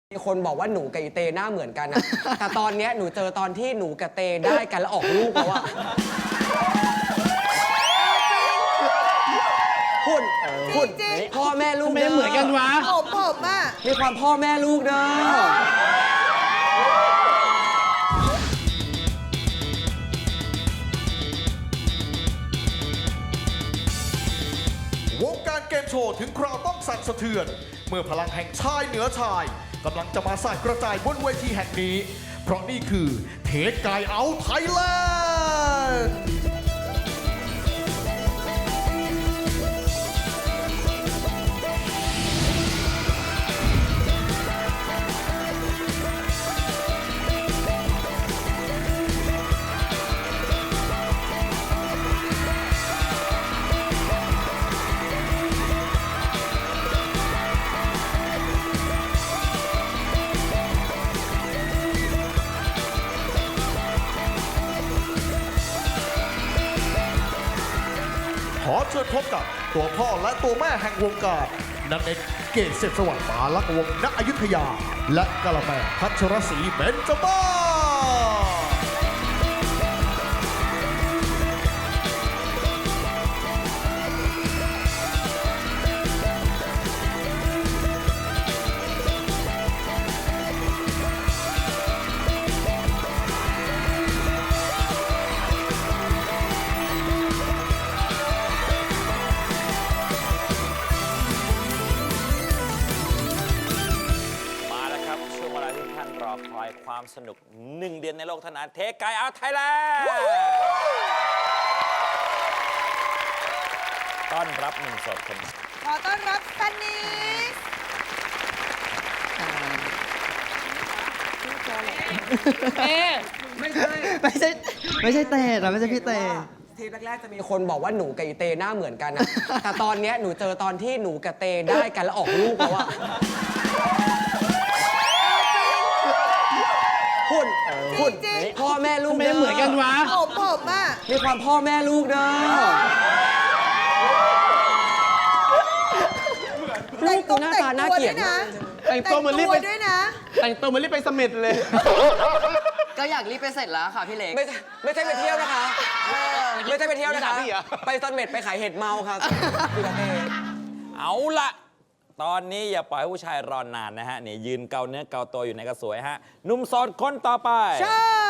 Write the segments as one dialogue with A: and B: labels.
A: มีคนบอกว่าหนูกับอีเตหน้าเหมือนกันนะ แต่ตอนเนี้ยหนูเจอตอนที่หนูกับเตได้กันแล้วออกลูกแล้วอะหุ่นพ่อแม่ลูก
B: ไม่เหมือนกันวะ
C: ผมอะ
A: มีความพ่อแม่ลูกเด้อ
D: วงการเกมโชว์ถึงคราวต้องสั่นสะเทือนเมื่อพลังแห่งชายเหนือชายกำลังจะมาสั่นกระจายบนเวทีแห่งนี้เพราะนี่คือเทสกายเอาไทยแลนด์ขอเชิญพบกับตัวพ่อและตัวแม่แห่งวงการนันเอกเกษเสพสวัสดิ์ปาลักษณ์วงศ์ณอยุธยาและกะละแมพัชรศรีเบญจมาศ
E: มาแล้วครับช่วงเวลาที่ท่านรอคอยความสนุก1 เดือนในโลกเท่านั้นเทคไกเอาไทยแลนด์ต้อนรับหนุ่มโสดคนนี้
C: ขอต้อนรับซันนี่
A: ไม่ใช่
B: ไม่ใช่เตะนะไม่ใช่พี่เตะ
A: ทีแรกๆจะมีคนบอกว่าหนูกับอีเตหน้าเหมือนกันนะ แต่ตอนเนี้ยหนูเจอตอนที่หนูกับเตได้กันแล้วออกลูกแล้วอะหุ่นพ่อแม่ลูก
B: ไม่เหมือนกันวะ
C: ผมอะ
A: มีความพ่อแม่ลูกเด้อลูกกูหน้าตาน่าเกลียดมาก
B: แต่งตัวเหมือนรีบไป
C: ด้วยนะ
B: แต่งตัวเหมือนรีบไปเสม็ดเลย
F: ก็อยากรีบไปเสร็จแล้วค่ะพี่เล็ก
A: ไม่ใช่ไปเที่ยวนะคะไม่ใช่ไปเที่ยวนะคะ
B: พี่เหรอ
A: ไปซันเม็ดไปขายเห็ดเมาค่ะพี่กะเต
E: เอาละตอนนี้อย่าปล่อยให้ผู้ชายรอนานนะฮะนี่ยืนเกาเนื้อเกาตัวอยู่ในกระสวยฮะหนุ่มโสดคนต่อไป
C: ใช่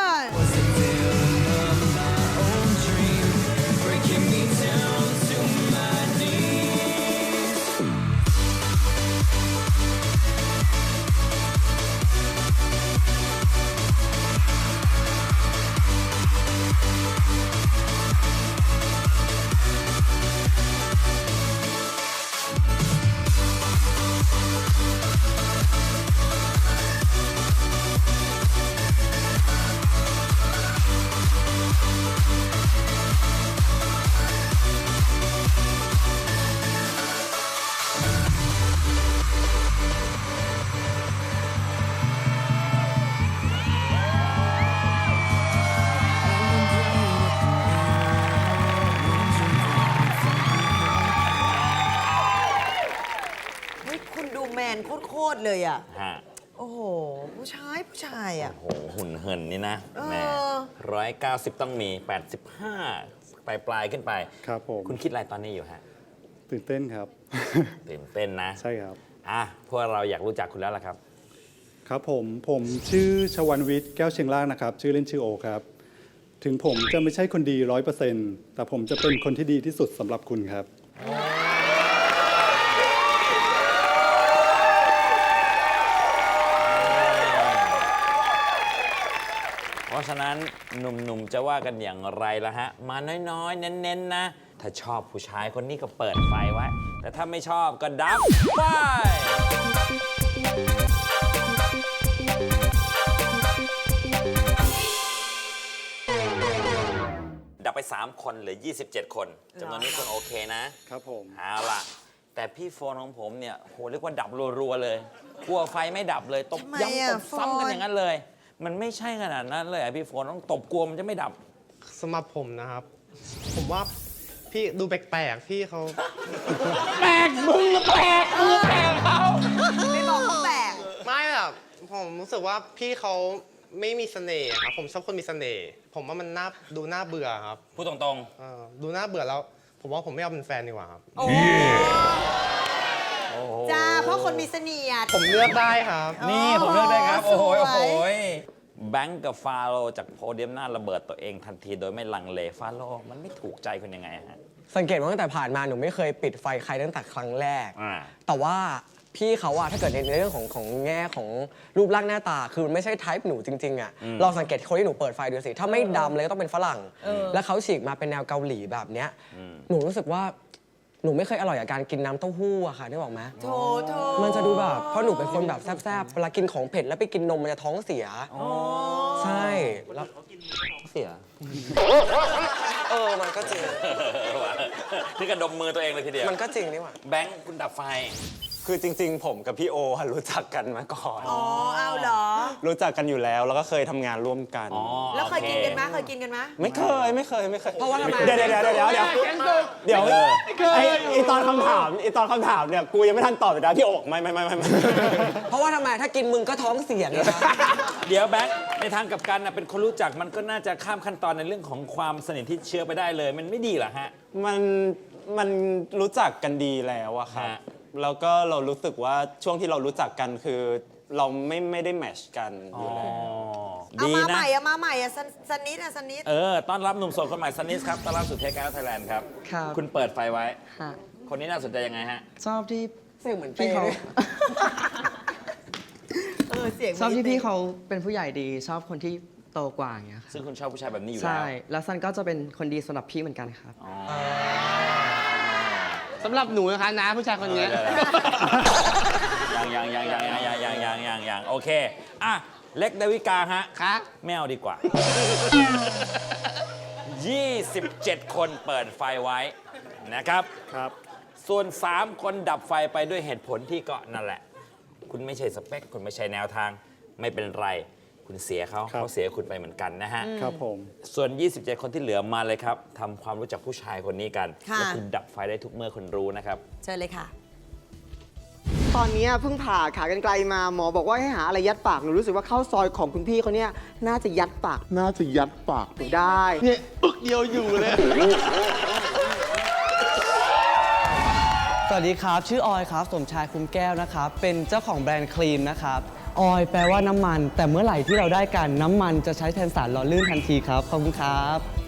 C: เฮ้ยคุณดูแมนโคตรเลยอะ
E: ฮะ
C: โอ้โห ผู้ชายอะ
E: โอ้โหหุ่นเหินนี่นะ
C: เออ
E: แหม่190 ต้องมี 85 ปลายขึ้นไป
G: ครับผม
E: คุณคิดอะไรตอนนี้อยู่ฮะ
G: ตื่นเต้นครับ
E: ตื่นเต้นนะ
G: ใช่ครับ
E: อ่ะพวกเราอยากรู้จักคุณแล้วล่ะครับ
G: ครับผมชื่อชวันวิทย์แก้วเชียงล่างนะครับ ชื่อเล่นชื่อโอครับ ถึงผมจะไม่ใช่คนดี100%แต่ผมจะเป็นคนที่ดีที่สุดสำหรับคุณครับ
E: เพราะฉะนั้นหนุ่มๆ จะว่ากันอย่างไรล่ะฮะ มาน้อยๆ เน้นๆ นะ ถ้าชอบผู้ชายคนนี้ก็เปิดไฟไว้ แต่ถ้าไม่ชอบก็ดับไฟ ดับไป 3 คนเหลือ 27 คนจำนวนนี้คุณโอเคนะครับ
G: ผม
E: เอาล่ะ แต่พี่โฟนของผมเนี่ยโหเรียกว่าดับรัวๆเลยกลัวไฟไม่ดับเลยตบ
C: ทำไม
E: ย้ำ
C: อะ
E: ตบซ้ำกัน
C: โฟน
E: อย่างนั้นเลย มันไม่ใช่ขนาดนั้นเลยอะพี่โฟนต้องตบกลัวมันจะไม่ดับ
B: สำหรับผมนะครับ ผมว่า พี่ดูแปลกๆ พี่เขา
C: ไม่บอกเขาแปลก
B: ไม่แบบรู้สึกว่าพี่เขาไม่มีเสน่ห์ครับผมชอบคนมีเสน่ห์ผมว่ามันดูน่าเบื่อครับ
E: พูดตรง
B: ดูน่าเบื่อแล้ว ผมว่าผมไม่เอาเป็นแฟนดีกว่าครับ
C: โอ้จ้าเพราะคนมีเสน่ห์
B: ผมเลือกได้ครับ
E: ๆ นี่ผมเลือกได้ครับ
C: ส
E: โอ้
C: วย
E: โหแบงก์กับฟาโรห์จากโพเดียมหน้าระเบิดตัวเองทันทีโดยไม่ลังเลฟาโรห์มันไม่ถูกใจคุณยังไงฮะ
A: สังเกตว่าตั้งแต่ผ่านมาหนูไม่เคยปิดไฟใครตั้งแต่ครั้งแรก
E: อ่า
A: แต่ว่าพี่เขาอะถ้าเกิดในเรื่องของแง่ของรูปร่างหน้าตา คือมันไม่ใช่ไทป์หนูจริงๆอะลองสังเกตคนที่หนูเปิดไฟดูสิ ถ้าไม่ดำเลยก็ต้องเป็นฝรั่ง แล้วเขาฉีกมาเป็นแนวเกาหลีแบบเนี้ยหนูรู้สึกว่าหนูไม่เคยอร่อยกับการกินน้ำเต้าหู้อะค่ะได้บอกไหม
C: โถโถ
A: มันจะดูแบบเพราะหนูเป็นคนแบบแซ่บๆเวลากินของเผ็ดแล้วไปกินนมมันจะท้องเสียใช่แล้ว
E: เสีย
A: มันก็จริง
E: ที่กระดมมือตัวเองเลยทีเดียว
A: มันก็จริงนี่หว่า
E: แบงค์คุณดับไฟ
H: คือจริงๆ ผมกับพี่โออะรู้จักกันมาก่อน
C: อ๋อเอาเหรอ
H: รู้จักกันอยู่แล้วก็เคยทำงานร่วมกัน
E: อ๋อ
C: แล้วเคย
E: โอ
C: กินกันไหมเคยกินกันไหม
H: ไม่เคย
A: เพราะว่าทำไม
H: เดี๋ยวไอตอนคำถามเนี่ยกูยังไม่ทันตอบเลยนะพี่โอบอกไม่
A: เพราะว่าทำไมถ้ากินมึงก็ท้องเสียไงคะ
E: เดี๋ยวแบงค์ในทางกลับกันนะเป็นคนรู้จักมันก็น่าจะข้ามขั้นตอนในเรื่องของความสนิทที่เชื่อไปได้เลย มันไม่ดีเหรอฮะ
H: มันรู้จักกันดีแล้วอะครับ
E: ฮะ
H: แล้วก็เรารู้สึกว่าช่วงที่เรารู้จักกันคือเราไม่ได้แมทชกันอยู่แล้ว
C: เอา
E: ดี
C: มา
E: นะ
C: ใหม่อะมาใหม่อะสนิทอะสนิท
E: ต้อนรับหนุ่มโสดคนใหม่ซันนิสครับ ต้อนรับสู่เทคการ์ไทยแลนด์ครับ
F: ครับ
E: คุณเปิดไฟไว้
F: ค่ะ
E: คนนี้น่าสนใจยังไงฮะ
F: ชอบที่
A: เสียงเหมือน
F: พี่เขา
C: เสียง
F: ชอบที่พี่เขาเป็นผู้ใหญ่ดี ชอบคนที่โตกว่าอย่างเงี้ยค่ะ
E: ซึ่งคุณชอบผู้ชายแบบนี้อยู่
F: ใช่
E: แล้ว
F: แล้วซันก็จะเป็นคนดีสำหรับพี่เหมือนกันครับ
B: สำหรับหนูนะคะนะผู้ชายคนนี้
E: ยังโอเคอ่ะเล็กดาวิกาฮะ
B: คะ
E: ไม่เอาดีกว่า 27 คนเปิดไฟไว้นะครับ
G: ครับ
E: ส่วน 3 คนดับไฟไปด้วยเหตุผลที่ก็นั่นแหละ คุณไม่ใช่สเปค คุณไม่ใช่แนวทาง ไม่เป็นไร คุณเสียเขา
G: ครับ
E: เขาเสียคุณไปเหมือนกันนะฮะ
G: ครับผม
E: ส่วน 27 คนที่เหลือมาเลยครับทำความรู้จักผู้ชายคนนี้กัน
C: ค่ะ
E: และคุณดับไฟได้ทุกเมื่อคุณรู้นะครับ
C: เชิญเลยค่ะ
I: ตอนนี้เพิ่งผ่าขากรรไกรมาหมอบอกว่าให้หาอะไรยัดปากหนูรู้สึกว่าข้าวซอยของคุณพี่เขาเนี่ยน่าจะยัดปากหนูได้เนี่ยอึกเดียวอยู่เลย
F: สวัสดีครับ ชื่อออยครับ สมชายคุ้มแก้วนะครับ เป็นเจ้าของแบรนด์ครีมนะครับ ออยแปลว่าน้ำมัน แต่เมื่อไหร่ที่เราได้กันน้ำมันจะใช้แทนสารหล่อลื่นทันทีครับ ขอบคุณครับ